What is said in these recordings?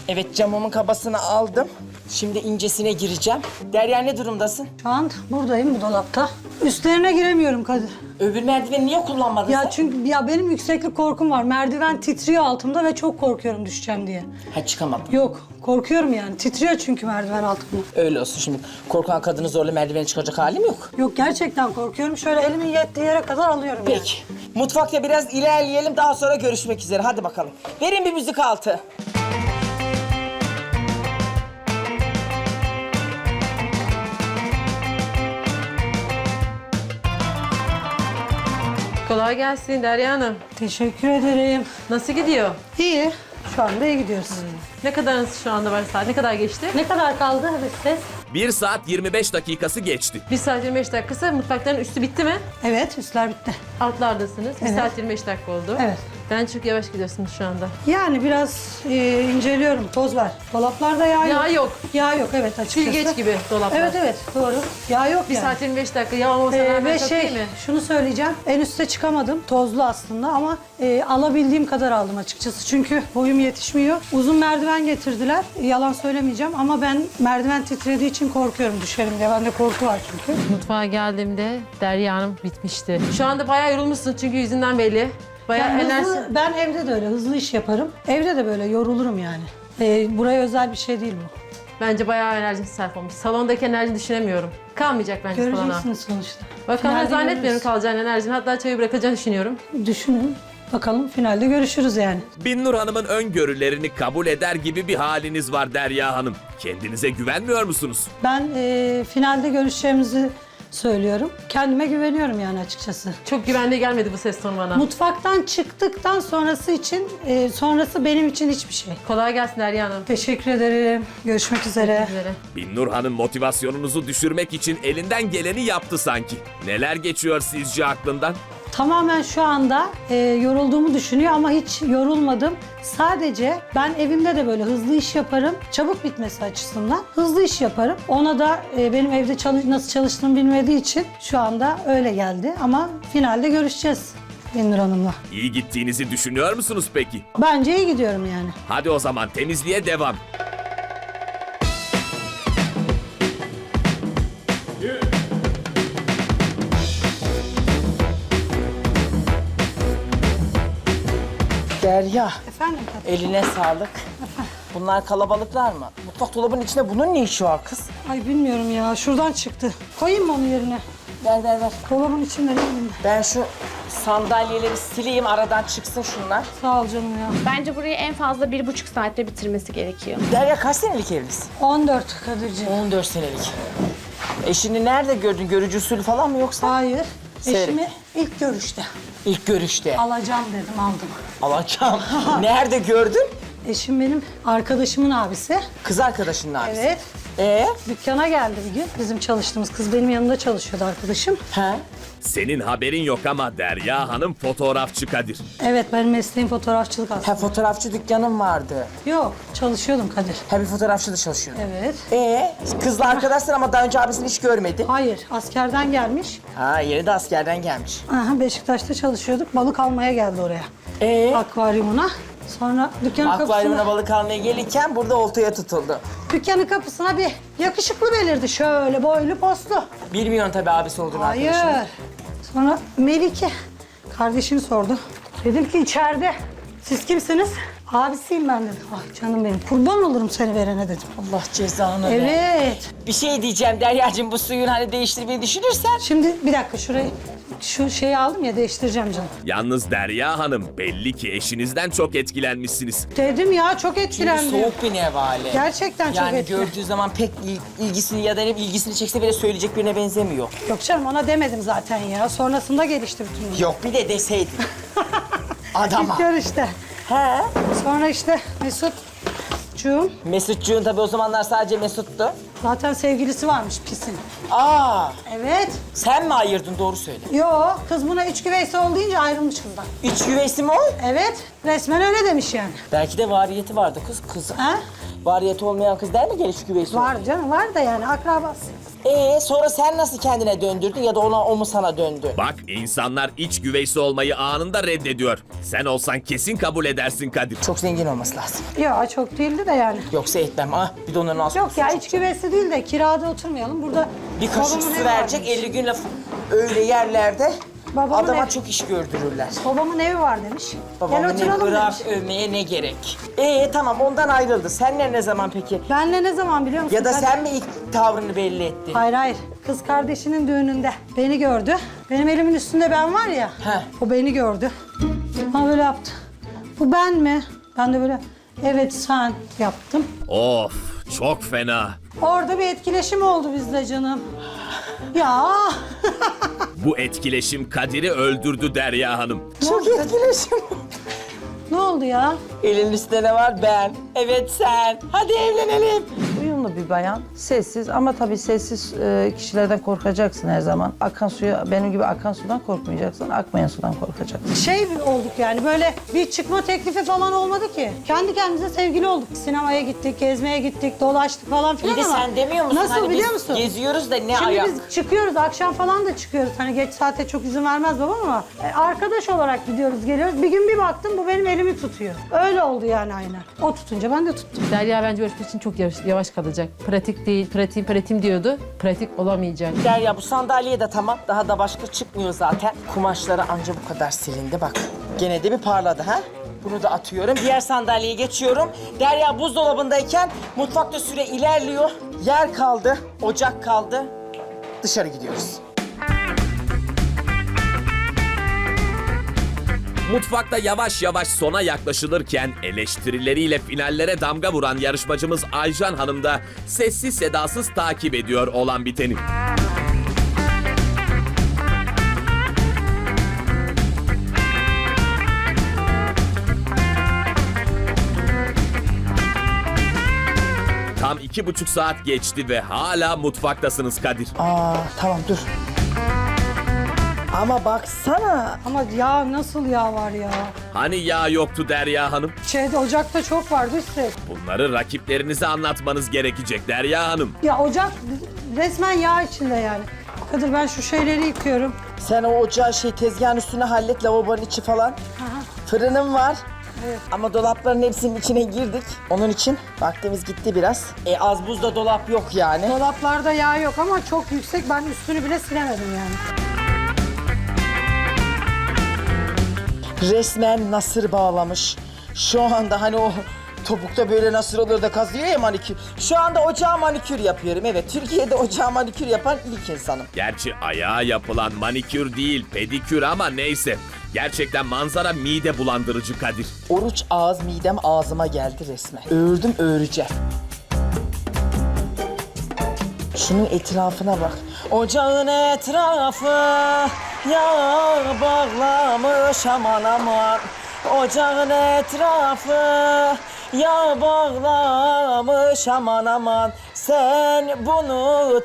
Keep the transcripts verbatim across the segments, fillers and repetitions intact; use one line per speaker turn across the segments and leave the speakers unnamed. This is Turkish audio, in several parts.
Evet, camımın kabasını aldım. Şimdi incesine gireceğim. Derya ne durumdasın?
Şu an buradayım bu dolapta. Üstlerine giremiyorum Kadir.
Öbür merdiveni niye kullanmadın
Ya
sen?
çünkü ya benim yükseklik korkum var. Merdiven titriyor altımda ve çok korkuyorum düşeceğim diye.
Ha, çıkamadım.
Yok, korkuyorum yani. Titriyor çünkü merdiven altımda.
Öyle olsun şimdi. Korkan kadını zorla merdiveni çıkacak halim yok.
Yok, gerçekten korkuyorum. Şöyle elimin yettiği yere kadar alıyorum yani.
Peki. Mutfakta biraz ilerleyelim, daha sonra görüşmek üzere. Hadi bakalım. Verin bir müzik altı.
Kolay gelsin Derya Hanım.
Teşekkür ederim.
Nasıl gidiyor?
İyi. Şu anda iyi gidiyoruz.
Ne kadarınız şu anda var saat? Ne kadar geçti?
Ne kadar kaldı ses?
bir saat yirmi beş dakikası geçti.
bir saat yirmi beş dakikası. Mutfakların üstü bitti mi?
Evet, üstler bitti.
Altlardasınız. bir
Evet.
saat yirmi beş dakika oldu.
Evet.
Ben çok yavaş gidiyorsunuz şu anda.
Yani biraz e, inceliyorum. Toz var. Dolaplarda yağ yok.
Yağ yok.
Yağ yok, evet, açıkçası.
Silgeç gibi dolaplar.
Evet, evet, doğru. Yağ yok
bir
yani.
saat yirmi beş dakika. Yağ olmasa
Ee,
rağmen
ve
çok
şey,
değil mi?
şunu söyleyeceğim. En üste çıkamadım. Tozlu aslında ama e, alabildiğim kadar aldım açıkçası. Çünkü boyum yetişmiyor. Uzun merdiven getirdiler. Yalan söylemeyeceğim ama ben merdiven titrediği için korkuyorum düşerim diye. Bende korku var çünkü.
Mutfağa geldiğimde Derya Hanım bitmişti. Şu anda bayağı yorulmuşsun çünkü yüzünden belli. Bayağı
Yani
enerji...
hızlı, ben evde de öyle hızlı iş yaparım. Evde de böyle yorulurum yani. E, buraya özel bir şey değil bu.
Bence bayağı enerji sarf olmuş. Salondaki enerji düşünemiyorum. Kalmayacak bence salona.
Göreceksiniz sonuçta.
Bakalım,
Finalde
zannetmiyorum
görürüz.
kalacağını enerjini. Hatta çayı bırakacağını düşünüyorum.
Düşünün. Bakalım finalde görüşürüz yani.
Binnur Hanım'ın öngörülerini kabul eder gibi bir haliniz var Derya Hanım. Kendinize güvenmiyor musunuz?
Ben e, finalde görüşeceğimizi söylüyorum. Kendime güveniyorum yani açıkçası.
Çok güvenli gelmedi bu ses tonu bana.
Mutfaktan çıktıktan sonrası için, e, sonrası benim için hiçbir şey.
Kolay gelsin Derya Hanım.
Teşekkür ederim. Görüşmek üzere.
Üzere.
Binnur Hanım motivasyonunuzu düşürmek için elinden geleni yaptı sanki. Neler geçiyor sizce aklından?
Tamamen şu anda e, yorulduğumu düşünüyor ama hiç yorulmadım. Sadece ben evimde de böyle hızlı iş yaparım. Çabuk bitmesi açısından hızlı iş yaparım. Ona da e, benim evde çalış nasıl çalıştığımı bilmediği için şu anda öyle geldi. Ama finalde görüşeceğiz Binnur Hanım'la.
İyi gittiğinizi düşünüyor musunuz peki?
Bence iyi gidiyorum yani.
Hadi o zaman temizliğe devam.
Derya,
Efendim Kadir?
eline sağlık. Bunlar kalabalıklar mı? Mutfak dolabının içinde bunun ne işi var kız?
Ay bilmiyorum ya. Şuradan çıktı. Koyayım mı onu yerine?
Ver ver ver.
Dolabın içinde ne bileyim ben.
Ben şu sandalyeleri sileyim, aradan çıksın şunlar.
Sağ ol canım ya.
Bence burayı en fazla bir buçuk saatte bitirmesi gerekiyor.
Derya kaç senelik evlisin?
on dört Kadir'ciğim.
on dört senelik. Eşini nerede gördün? Görücü usulü falan mı yoksa?
Hayır.
Seyret.
Eşimi ilk görüşte
İlk görüşte.
alacağım dedim, aldım.
Alacağım. Nerede gördün?
Eşim benim arkadaşımın abisi.
Kız arkadaşının abisi.
Evet.
Ee?
Dükkana geldi bir gün. Bizim çalıştığımız kız benim yanımda çalışıyordu arkadaşım.
He?
Senin haberin yok ama Derya Hanım fotoğrafçı Kadir.
Evet, benim mesleğim fotoğrafçılık aslında.
Ha, fotoğrafçı dükkanım vardı.
Yok, çalışıyordum Kadir.
Ha, bir fotoğrafçı da çalışıyordu.
Evet.
Ee? Kızla arkadaşsın ama daha önce abisini hiç görmedin.
Hayır, askerden gelmiş.
Ha, yeni de askerden gelmiş.
Aha, Beşiktaş'ta çalışıyorduk. Balık almaya geldi oraya.
Ee?
Akvaryumuna. Sonra dükkanın
Akvaryumuna
kapısına,
balık almaya gelirken burada oltaya tutuldu.
dükkanın kapısına bir yakışıklı belirdi. Şöyle boylu postlu.
Bilmiyorsun tabii abisi olduğunu
Hayır.
arkadaşın.
Sonra Melike kardeşini sordu. Dedim ki içeride. Siz kimsiniz? Abisiyim ben dedim. Ay canım benim, kurban olurum seni verene dedim.
Allah cezanı ver.
Evet.
Bir şey diyeceğim Derya'cığım, bu suyun hani değiştirmeyi düşünürsen.
Şimdi bir dakika, şurayı şu şeyi aldım ya, değiştireceğim canım.
Yalnız Derya Hanım belli ki eşinizden çok etkilenmişsiniz.
Dedim ya, çok
Çünkü
etkilendim.
soğuk bir nevale.
Gerçekten çok
Yani
etkilendim.
gördüğü zaman pek il- ilgisini ya da ne bileyim ilgisini çekse bile söyleyecek birine benzemiyor.
Yok canım, ona demedim zaten ya. Sonrasında gelişti bütün bunlar.
Yok bir de deseydin. Adama.
İlk görüşte.
He.
Sonra işte Mesut'cuğum.
Mesutcuğun tabii o zamanlar sadece Mesut'tu.
Zaten sevgilisi varmış pisin.
Aa,
Evet.
sen mi ayırdın doğru söyle.
Yo, kız buna üç güveysi ol deyince ayrılmış kızdan.
İç güveysi mi o?
Evet, resmen öyle demiş yani.
Belki de variyeti vardı kız. Kız.
Ha?
Variyeti olmayan kız der mi gel iç güveysi?
Var canım, var da yani akrabası.
Ee sonra sen nasıl kendine döndürdün ya da ona o mu sana döndü?
Bak insanlar iç güveysi olmayı anında reddediyor. Sen olsan kesin kabul edersin Kadir.
Çok zengin olması lazım.
Yo, çok değildi de yani.
Yoksa etmem. Ah bir de onun nasıl
Yok ya, iç güveysi değil de kirada oturmayalım. Burada
bir kaşık
babamın
su
evi
verecek
varmış.
elli gün laf öyle yerlerde
Babamın
adama
evi.
çok iş gördürürler.
Babamın evi var demiş.
Babamın
Gel oturalım
evi
demiş.
bırak övmeye ne gerek? Ee tamam ondan ayrıldı. Senle ne zaman peki?
Benle ne zaman biliyor musun?
Ya da
Kadir?
sen mi ilk tavrını belli ettin?
Hayır hayır. Kız kardeşinin düğününde beni gördü. Benim elimin üstünde ben var ya.
He.
O beni gördü. Bana böyle yaptı. Bu ben mi? Ben de böyle evet sen yaptım.
Of çok fena.
Orada bir etkileşim oldu bizde canım. Ya.
Bu etkileşim Kadir'i öldürdü Derya Hanım.
Çok etkileşim.
Ne oldu ya?
Elin üstünde ne var? Ben. Evet sen. Hadi evlenelim.
Uyumlu bir bayan, sessiz ama tabii sessiz e, kişilerden korkacaksın her zaman. Akan suya, benim gibi akan sudan korkmayacaksın, akmayan sudan korkacaksın.
Şey olduk yani böyle bir çıkma teklifi falan olmadı ki. Kendi kendimize sevgili olduk. Sinemaya gittik, gezmeye gittik, dolaştık falan filan
Bir de
ama.
sen demiyor musun?
Nasıl
hani
biliyor
biz
musun?
geziyoruz da ne
Şimdi
ayak?
biz çıkıyoruz, akşam falan da çıkıyoruz. Hani geç saate çok izin vermez babam ama e, arkadaş olarak gidiyoruz, geliyoruz. Bir gün bir baktım bu benim elimi tutuyor. Öyle oldu yani aynen. O tutunca ben de tuttum.
Derya bence ölçmek için çok yavaş, yavaş kalacak. Pratik değil, pratik, pratim diyordu. Pratik olamayacak.
Derya bu sandalye de tamam. Daha da başka çıkmıyor zaten. Kumaşları anca bu kadar silindi bak. Gene de bir parladı ha. Bunu da atıyorum. Diğer sandalyeye geçiyorum. Derya buzdolabındayken mutfakta süre ilerliyor. Yer kaldı, ocak kaldı. Dışarı gidiyoruz.
Mutfakta yavaş yavaş sona yaklaşılırken eleştirileriyle finallere damga vuran yarışmacımız Aycan Hanım da sessiz sedasız takip ediyor olan biteni. Tam iki buçuk saat geçti ve hala mutfaktasınız Kadir.
Aa tamam dur. Ama baksana.
Ama ya nasıl yağ var ya?
Hani yağ yoktu Derya Hanım?
Şeyde ocakta çok vardı üstelik.
Bunları rakiplerinize anlatmanız gerekecek Derya Hanım.
Ya ocak resmen yağ içinde yani. Kadir ben şu şeyleri yıkıyorum.
Sen o ocağı şey tezgahın üstüne hallet, lavabonun içi falan. Fırınım var.
Evet.
Ama dolapların hepsinin içine girdik. Onun için vaktimiz gitti biraz. E az buzda dolap yok yani.
Dolaplarda yağ yok ama çok yüksek. Ben üstünü bile silemedim yani.
Resmen nasır bağlamış. Şu anda hani o topukta böyle nasır olur da kazıyor ya manikür. Şu anda ocağa manikür yapıyorum. Evet, Türkiye'de ocağa manikür yapan ilk insanım.
Gerçi ayağa yapılan manikür değil pedikür ama neyse. Gerçekten manzara mide bulandırıcı Kadir.
Oruç ağız midem ağzıma geldi resmen. Ördüm öreceğim. Şunun etrafına bak. Ocağın etrafı yağ bağlamış aman aman. Ocağın etrafı yağ bağlamış aman aman. Sen bunu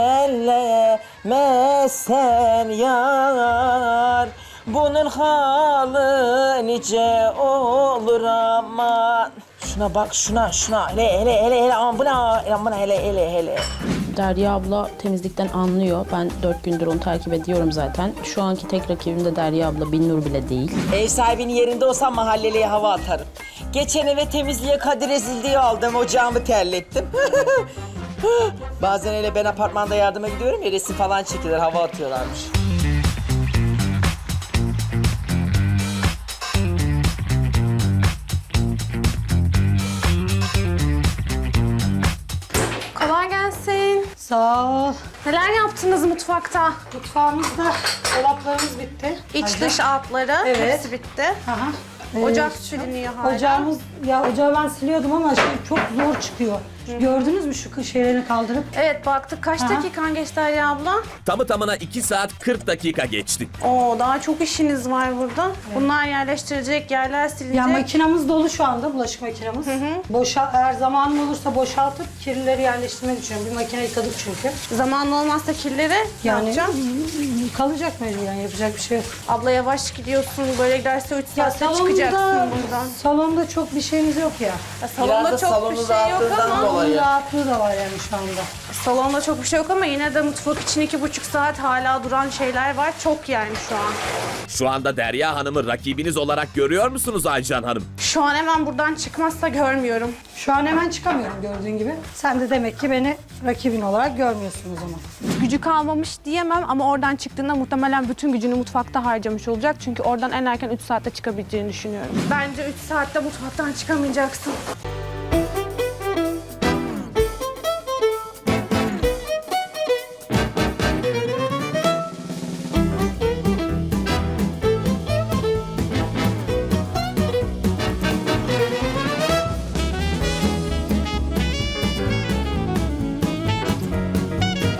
tellemezsen yar. Bunun halı nice olur aman. Şuna bak şuna şuna hele hele hele hele aman buna aman hele hele hele.
Derya abla temizlikten anlıyor. Ben dört gündür onu takip ediyorum zaten. Şu anki tek rakibim de Derya abla, Binnur bile değil.
Ev sahibinin yerinde olsam mahalleliye hava atarım. Geçen eve temizliğe Kadir ezildi diye aldım, ocağımı terlettim. Bazen öyle ben apartmanda yardıma gidiyorum ya, resim falan çekilir, hava atıyorlarmış.
Kolay gelsin.
Sağ ol.
Neler yaptınız mutfakta?
Mutfağımızda dolaplarımız bitti.
İç
Aynen.
dış altları
Evet.
hepsi bitti.
Aha. Ee,
Ocak siliniyor hala.
Ocağımız, ya ocağı ben siliyordum ama şey çok zor çıkıyor. Gördünüz mü şu kış şeylerini kaldırıp?
Evet baktık. Kaç
Aha.
dakikan geçti Derya abla?
Tamı tamına iki saat kırk dakika geçti.
Oo daha çok işiniz var burada. Bunlar yerleştirecek, yerler silinecek.
Ya makinamız dolu şu anda, bulaşık makinamız. Boşa, eğer zamanım olursa boşaltıp kirlileri yerleştirmeyi düşünüyorum. Bir makine yıkadık çünkü.
Zaman olmazsa kirleri ne
Yani
yapacağım?
kalacak mecburen, yapacak bir şey yok.
Abla yavaş gidiyorsun. Böyle giderse üç
Ya
saatte çıkacaksın
salonda,
buradan.
salonda çok bir şeyimiz yok ya.
Ya, salonda
Biraz da
çok bir
salonun
şey yok
rahatlığından
ama
dolayı.
Onun rahatlığı da var yani şu anda.
salonda çok bir şey yok ama yine de mutfak için iki buçuk saat hala duran şeyler var. Çok yani şu an.
Şu anda Derya Hanım'ı rakibiniz olarak görüyor musunuz Aycan Hanım?
Şu an hemen buradan çıkmazsa görmüyorum.
Şu an hemen çıkamıyorum gördüğün gibi. Sen de demek ki beni rakibin olarak görmüyorsun o zaman.
Gücü kalmamış diyemem ama oradan çıktığında muhtemelen bütün gücünü mutfakta harcamış olacak. Çünkü oradan en erken üç saatte çıkabileceğini düşünüyorum. Bence üç saatte mutfaktan çıkamayacaksın.